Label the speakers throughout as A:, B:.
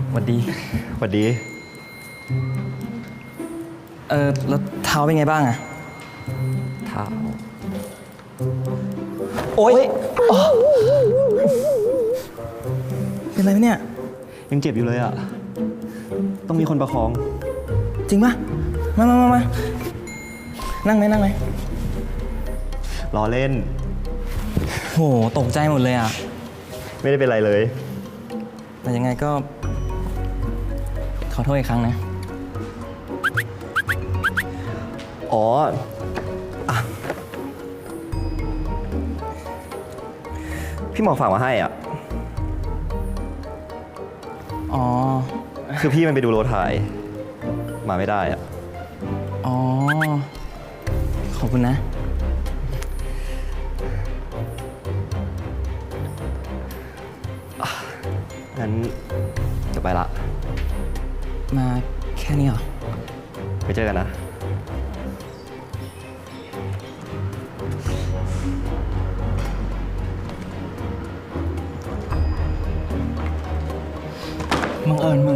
A: หวัดดี
B: หวัดดี
A: แล้วเท้าเป็นไงบ้างอะ
B: เท้า
A: โอ๊ยเป็นไรไหมเนี่ย
B: ยังเจ็บอยู่เลยอ่ะ ต้องมีคนประคอง
A: จริงปะมานั่งไหม
B: ล้อเล่น
A: โหตกใจหมดเลยอะ
B: ไม่ได้เป็นไรเลย
A: แต่ยังไงก็ ขอโทษอีกครั้งนะ
B: อ๋ออ่ะพี่หมอฝากมาให้อ่ะ
A: อ๋อ
B: คือพี่มันไปดูโรถถ่าย มาไม่ได้อ่ะ
A: อ๋อ ขอบคุณนะ
B: งั้นจะไปละ
A: มาแค่นี้เหรอ
B: ไปเจอกันนะ
A: บังเอิญมึง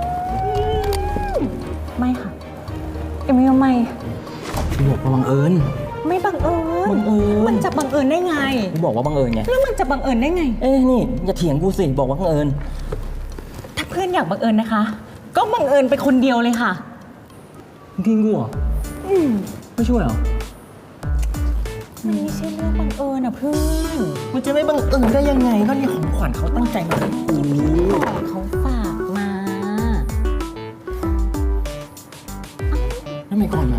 C: ไม่ค่ะ เอมมี่ว่าไม่
A: กูบอกว่าบังเอิญ
C: ไม่บังเอิญ
A: บังเอิญ
C: มันจะบังเอิญได้ไง
A: กูบอกว่าบังเอิญไง
C: แล้วมันจะบังเอิญได้ไง
A: เอ้ยนี่อย่าเถียงกูสิ บอกว่าบังเอิญ
C: ถ้าเพื่อนอยากบังเอิญนะคะ ก็บังเอิญไปคนเดียวเลยค่ะ
A: กินกูเหรอไม่ช่วยเหรอ
C: มันไม่ใช่เรื่องบังเอิญอ่ะเพื่อน
A: มันจะไม่บังเอิญได้ยังไง ก็นี่ของขวัญเขาตั้งใจมาให้กู
C: เขาฝากมา
A: แล้วทำไมก่อนมา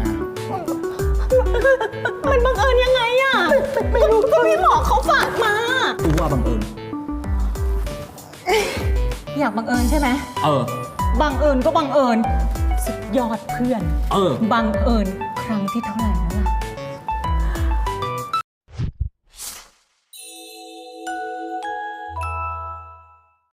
C: มันบังเอิญยังไงอ่ะไม่รู้ก็พี่หมอเขาฝากมา
A: กูว่าบังเอิญ
C: อยากบังเอิญใช่ไหม บังเอิญก็บังเอิญสุดยอดเพื่อน บังเอิญครั้งที่เท่าไหร่แล้วล่ะ